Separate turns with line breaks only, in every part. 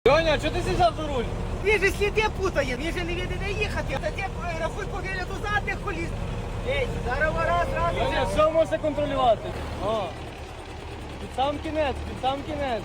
Льоня, що ти сідав за руль?
Він же сліди путає, він же не віде де їхати. Та ти рахуй по вигляду задних коліс. Ей, зараз раз,
Льоня, все можна контролювати. О. Під сам кінець, під сам кінець.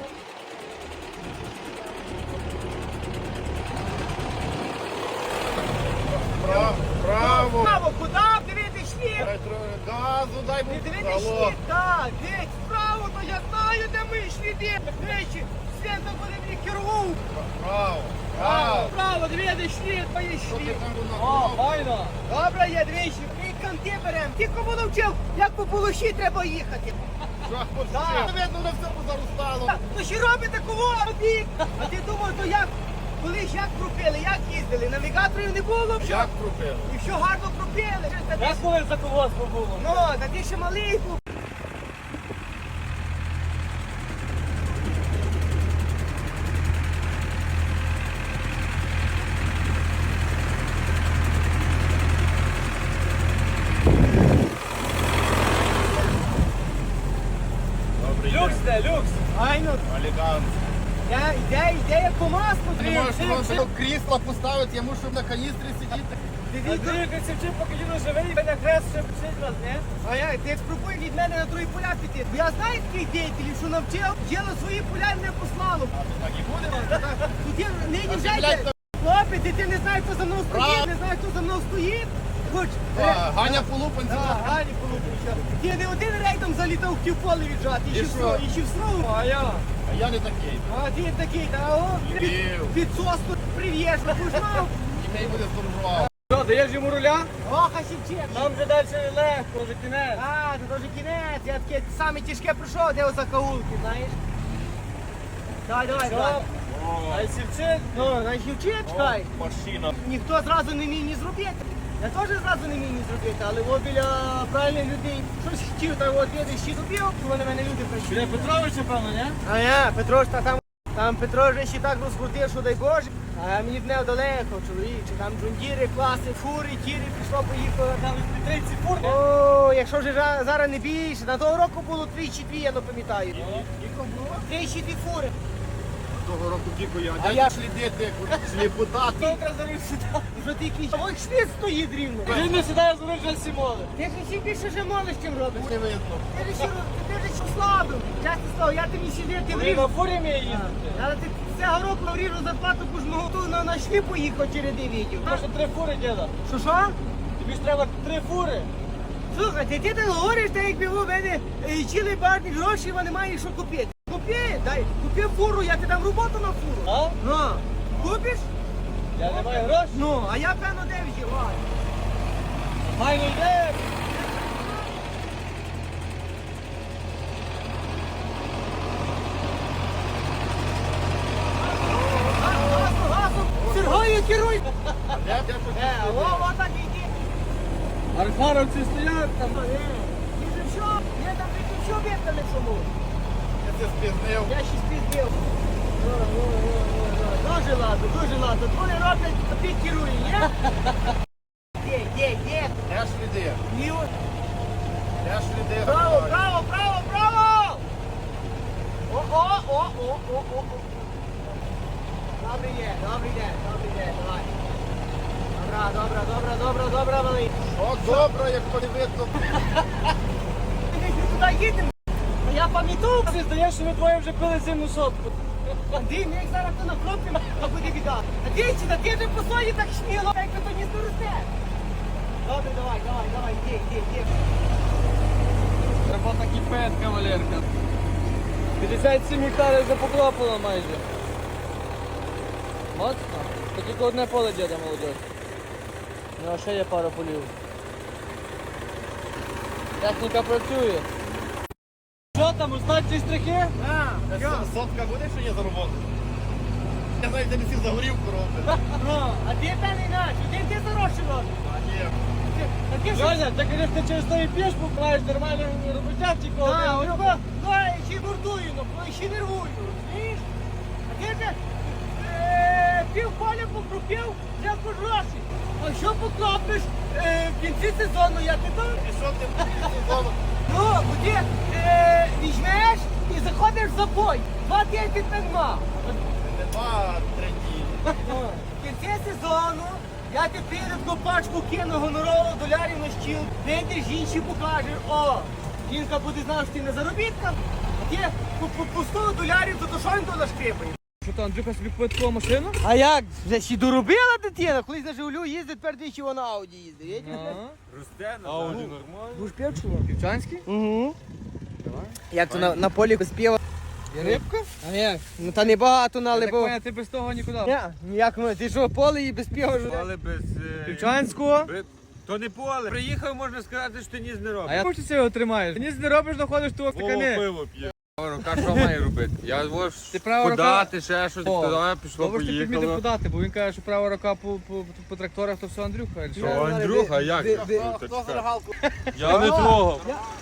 Право.
Право, куди? Дивіться шліт.
Газу дай
Не
мені.
дивіться шліт, так. Дивіться, вправо, то я знаю, де ми шліди. Речі, Свята буде мені керував.
Право. Право.
Право, дивіться шліт, мої
Що ти
шліт.
там
О,
вона?
файно.
Добре, я двічі, ми канти беремо. Ти кому навчив, як по полощі треба їхати.
Що хочеш?
Так.
Видно, на все позаростало.
Ну що робите кого? Обік. А ти думав, то як? Колись як пропили, як їздили? Навігаторів не було.
Як крупили?
І все гарно пропили.
Як коли за колгоспу було?
Ну, та ти ще малий був.
Добрий
Люкс де, люкс.
Айно,
Олігант.
йде по маску.
Ти можеш просто крісло поставити, я мушу на каністрі сидіти.
Андрій Косівчик, поки діду живий, мене хрест ще пишить раз, не?
А я, ти спробуй від мене на другі поля піти. Я знаю таких діятелів, що навчив, діло свої поля не послало.
Так і буде?
Тут є нині вже
ти,
йде.
блядь,
Хлопець, і ти не знаєш, хто за мною стоїть,
Прав.
не знаєш, хто за мною стоїть. Хоч,
Ганя по лупанці.
Гані полупича. Ти не один рейдом залітав в поле віджати,
І що?
і ще в снову.
А я?
А я не такий.
А ти такий, та о,
Дебіл.
під соску прив'єш, знав.
І мені буде здорував.
Що, даєш йому руля?
Ох, а сівчек.
Там вже далі легко, вже кінець.
А, це теж кінець, я таке саме тяжке пройшов, де за каулки, знаєш. Давай, давай, давай.
Що? А Сівчик?
Ну, на сівчек, чекай.
Машина.
Ніхто зразу не міг ні зробити. Я теж зразу не міг ні зробити, але от біля правильних людей щось хотів, та от я ще зробив, коли на мене люди прийшли.
Біля Петровича, певно, не?
А я, Петро ж там Петро вже ще так розкрутив, що дай Боже. А мені б не далеко, чоловіче, там джундіри, класи, фури, тіри, пішло, поїхало.
Там 30 фур, не?
О, якщо вже зараз не більше, на того року було 3-2, я не пам'ятаю.
Скільки було?
3-2 фури.
Того року тільки я.
А
А
я-
я слідити, сліпота.
Добре за руль сідав.
Вже ти якийсь. Ой, шліт стоїть рівно.
Він не сідає за руль вже Сімони.
Ти ж ще більше вже молиш, чим робиш.
Не видно.
Ти ж ще слабив. Чесне слово, я тобі сидів, ти
Він
вріжу.
на фурі вміє їздити.
Але ти цього року вріжу зарплату, бо ж ми готові на шлі поїхав через відео.
Може 3 фури, діда.
Що?
Тобі ж треба 3 фури.
Слухай, ти так говориш, так якби у мене чили барні гроші, вони мають що купити. Купи, дай, купи фуру, я ти дам роботу на фуру.
А?
Ну, купиш?
Я не маю грошей.
Ну, а я певно де вживаю.
Файно йде.
Газом, Сергою керуй.
Я тут
О, так іди.
Архаровці стоять там.
Ти же що? Я там ти що вітали чому?
я це спізнив.
Я ще спіздив. Дуже ладно. Вони роблять, а ти керує, ні? Є.
Я сліди.
Ні, от.
Я сліди.
Право. О. Добрий день, давай. Добра, малий.
О, добре, як подивитися.
Ми туди їдемо. А я пам'ятаю.
Ти здаєш, що ви двоє вже пили зимну сотку.
Андрій, ми як зараз то накропимо, а буде біда. А дивіться, та ти вже по своїй так сміло, як то не здоросте. Добре, давай, йди.
Робота кипить, кавалерка. 57 гектарів вже покропано майже. Моцно. То тільки одне поле діда, молодь. Ну а ще є пара полів. Техніка працює. Що там, узнають штрихи?
Сотка буде, що є за роботу? Я знаю, де всі за горівку роблять.
А ти та не наш, ти зарощі робиш.
А ні.
А ти що?
Льоня, ти, звісно, через той пішку маєш нормальну роботяг
А, ну, я ще бурдую, ну, ще нервую, розумієш? А ти же пів поля покрупив, вже гроші. А що покропиш в кінці сезону, я ти там?
І що ти сезону?
Ну, бо ти візьмеш і заходиш в забой. 2 тижні так мав. ну. Я тепер таку пачку кину гонорову долярів на стіл. Прийдеш, жінці покажеш, о, жінка буде знати, що ти не заробіткам, а ти по 100 долярів, то що він то нашкрипає?
Що то, Андрюха собі купив таку машину?
А як? Вже ще доробила дитина, колись на Жигулю їздить, тепер двічі вона на Ауді їздить.
Ауді нормально.
Будеш пів чи ні?
Півчанський?
Угу. Як то на полі без пива?
Є рибка?
А як? Ну та не багато
Я
нале,
так
бо...
поняв, ти без того нікуди.
Ніяк, ну, ти що, поле і без пива ж?
Але без...
Півчанського?
То не поле. Приїхав, можна сказати, що ти ніс не робиш.
А я хочу цього тримаєш. Ніс не робиш, доходиш того
Вова
стакани.
пиво п'є.
Права рука що має робити? Я
Ти права рука?
подати, ще щось,
О,
туди пішло,
Добре, що ти підмітив
поїхало.
подати, бо він каже, що права рука по тракторах, то все Андрюха.
Що, Андрюха, як?
Хто за рогалку?
Я не трогав.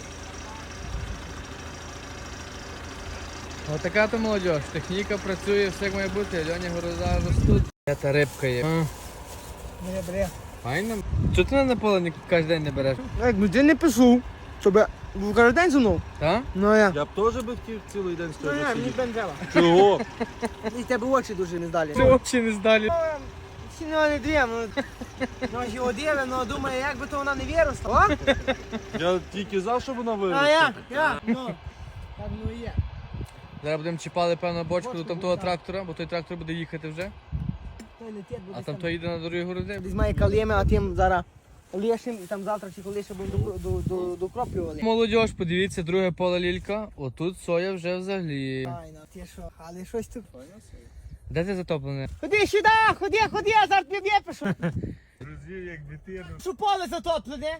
Отака то молодь. Техніка працює, все як має бути. Льоні города ростуть. Та рибка є.
Бре.
Файно. Чого ти на поле кожен день не береш?
Як, ну ти не пишу, щоб був кожен день зі мною.
Так?
Ну а я.
Я б теж би хотів цілий день з
Ну
тебе
я, мені
сидіти.
б не треба.
Чого?
І в тебе очі дуже не здалі.
Ти взагалі не здалі.
Всі не дві, ну ж його диве, ну думає, як би то вона не виросла. О?
Я тільки за, щоб вона
А
виросла.
я, ну. Так ну і є.
Зараз будемо чіпали, певно, бочку до там того трактора, бо той трактор буде їхати вже.
Той летить, буде
А там то їде на дорогі городи.
десь має калєми, а тим зараз лишим, і там завтра чи коли ще будемо докроплювали.
Молодіж, подивіться, друге поле лілька. Отут соя вже взагалі.
Файно, ти що, але щось тут.
Де ти затоплене?
Ходи сюди, ходи, я зараз тобі випишу.
Друзі, як дитину.
Що поле затоплене?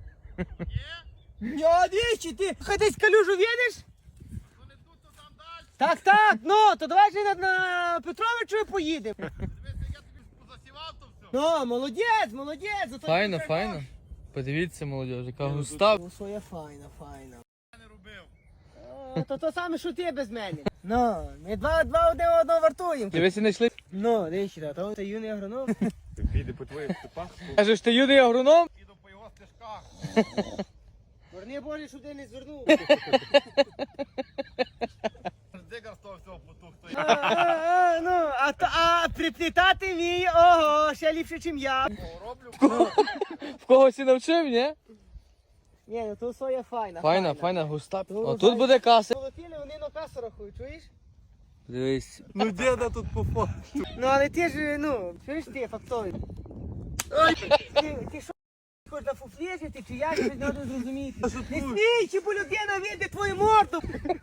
Ні? Двічі, ти хай десь калюжу видиш? Так, ну, то давай же на Петровичу поїдемо. Ну, молодець, зато
Файно,
ти
файно. Подивіться, молодіж, яка густа.
Ну, своє файно. То саме, що ти без мене. Ну, ми два один одного вартуємо.
Дивися, не йшли.
Ну, дивіться, то це юний агроном.
Піде по твоїх степах.
Кажеш, ти юний агроном?
Їду по його стежках.
Верни Боже, щоб ти не звернув.
Дигар з того всього потух.
Ну, а приплітати вміє, ого, ще ліпше, ніж я.
Роблю.
В когось і навчив, ні?
Ні, ну то соя файна.
Файна, густа.
Ну,
О, тут
файна.
буде каса.
Полотіли, вони на касу рахують, чуєш?
Дивись.
Ну діда тут по факту.
Ну, але ти ж, ну, чуєш ти, фактовий. Ти що, хочеш на фуфлі жити, чи як, щось треба зрозуміти. Не смій, чи бо людина вийде твою морду.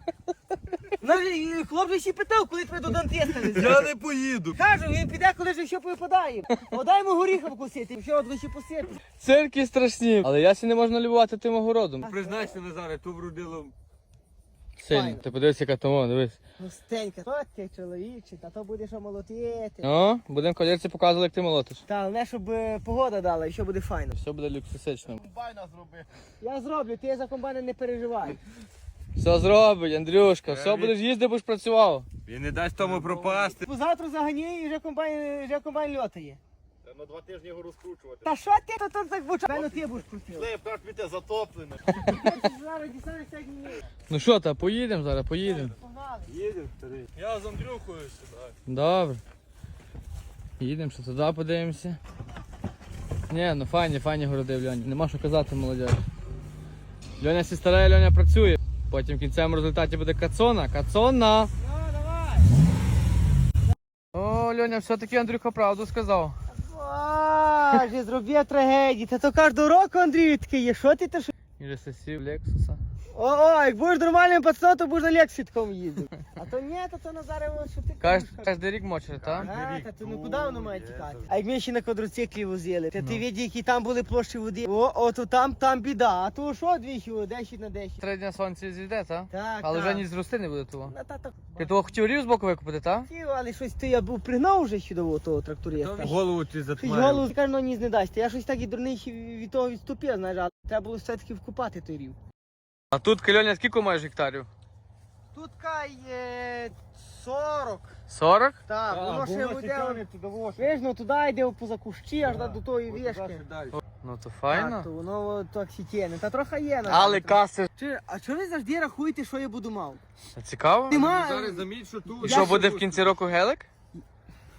Хлоп ще питав, коли тебе до дантиста не
Я не поїду.
Кажу, він піде, коли ж що випадає. Дай йому горіха вкусити, що от ще посити.
Цирки страшні. Але я сі не можна любувати тим огородом.
Признайся, Назаре, то вродило.
Сильно.
Файно.
Ти подивись, яка тому, дивись.
Густенька. Що ти, чоловіче, та то будеш молотити.
О, будемо колірці показувати, як ти молотиш.
Та, головне, щоб погода дала і що буде файно.
Все буде люксусично.
Комбайна зроби.
Я зроблю, ти за комбайна не переживай.
Все зробить, Андрюшка. Все будеш їздити, будеш працював.
Він не дасть тому пропасти.
Завтра загані і вже комбайн льотає.
На 2 тижні його розкручувати.
Та що ти тут так буча? Певно ти будеш крутив.
Слив, так піти затоплене.
Зараз дістанешся як мені.
Ну що, та поїдемо зараз, поїдемо.
Погнали.
Їдемо, старий. Я з Андрюхою сюди.
Добре. Їдемо, що туди подивимося. Ні, ну файні городи в Льоні. Нема що казати, молодь. Льоня сі старає, Льоня працює. Потім в кінцевому результаті буде кацона. Кацона!
Ну, давай.
О, Льоня, все-таки Андрюха правду сказав.
Боже, зробив трагедію. Та то кожного року, Андрій, таке є. Що ти то що?
І вже сесів Лексуса.
О, як будеш нормальним пацаном, то будеш на Лексі такому їздити. А то ні, то Назаре, що ти кажеш.
Кожен рік мочер, так?
А, та то ну куди воно має тікати? А як ми ще на квадроциклі возили, та ти видів, які там були площі води. О, то там біда. А то що двічі, 10 на 10.
3 дня сонце зійде, так?
Так,
Але
так.
вже ні зрости не буде того.
Та.
Ти того хотів рів з боку викупити, так?
Хотів, але щось то я був пригнав вже ще до того тракториста.
Голову ти
Щось
затмарив.
голову каже, ну ніс не дасть. Я щось так і дурний ще від того відступив, знаєш, але треба було все-таки вкупати той рів.
А тут, Льоня, скільки маєш гектарів?
Тут кай 40.
40?
Так, воно ще буде. Виж, ну туди йде поза кущі, аж до тої вішки.
Ну то
Так,
файно.
то воно так сітєне. Та трохи є.
Але каси.
А чого ви завжди рахуєте, що я буду мав?
Цікаво?
Нема.
Зараз заміть, що тут.
І що буде в кінці року гелик?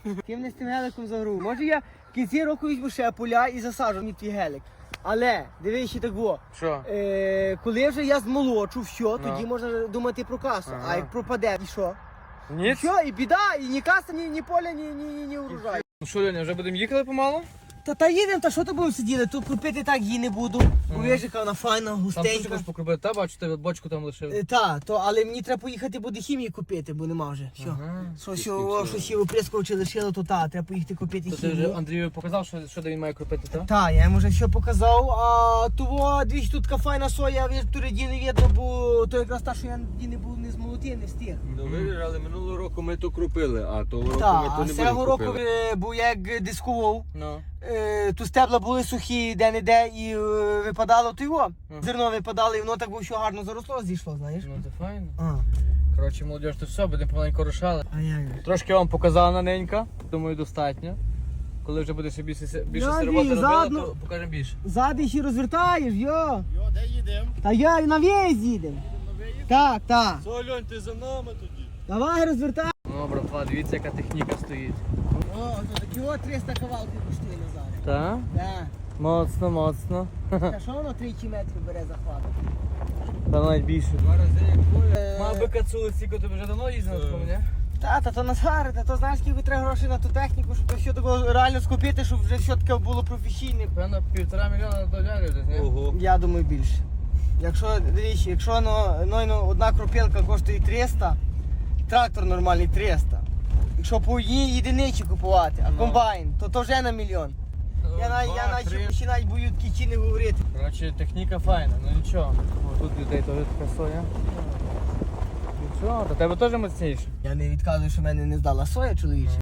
Ти мене з тим геликом загрув. Може я в кінці року візьму ще поля і засаджу мені твій гелик. Але, дивись, ще так було.
Що?
Коли вже я змолочу, все, тоді можна думати про касу.
Ага.
А як пропаде, і що?
Ні?
Що, і біда, і ні каса, ні поля, ні урожай.
Ну що, Льоня, вже будемо їхали помалу?
Та їдемо, та що то будемо сиділи? Тут купити так її не буду. Бо видиш, яка вона файна,
Там що
густенька.
хочеш покрупити? Та бачу, тебе бочку там лишив.
Але мені треба поїхати буде хімії купити, бо нема вже. Що? Щось є оприскувачі лишило, то треба поїхати купити
То ти вже
хімію.
Андрію показав, що де він має крупити, так?
Так, я йому вже все показав, а того двічі тут така файна соя, в туди не видно, бо то якраз та, що я не був не змолотив, не встиг.
Ну видиш, але минулого року ми то крупили, а того року
Так,
ми то
а
не
цього
будемо
року,
крупили.
бо я як дискував,
Ну.
тут стебла були сухі, де-не-де, і випадало то його. Зерно випадало, і воно так було, що гарно заросло, зійшло, знаєш.
Ну це файно.
А,
Коротше, молодіж, то все, будемо помаленьку рушали.
а як?
Трошки вам показала наненька, думаю, достатньо. Коли вже буде ще більше
Я
роботи робила,
задну-
то покажемо більше.
Ззади ще розвертаєш, йо.
Йо, де їдемо?
Та я на в'їзд їдемо. Так.
Що, Льонь, ти за нами тоді?
Давай розвертай.
Ну, братва, дивіться, яка техніка стоїть.
О, то такі от 300 кавалків коштує назад.
Так?
Так.
Моцно, моцно.
Та що воно 3 метрів бере захват?
Та навіть більше.
Два рази як поля.
Мав би кацули, стільки тобі вже давно їздив на такому, ні?
Та то Назаре, та то знаєш, скільки треба грошей на ту техніку, щоб то все такого реально скупити, щоб вже все таке було професійне.
Певно, $1,5 мільйона доларів десь, ні?
Ого.
Я думаю більше. Якщо одна кропілка коштує 300, трактор нормальний 300. Якщо по одній єдиниці купувати, а комбайн, то вже на мільйон. Я навіть бою такі ціни говорити.
Коротше, техніка файна, ну нічого. О, тут людей теж така соя. Нічого, до тебе теж міцніше.
Я не відказую, що в мене не здала соя чоловіча.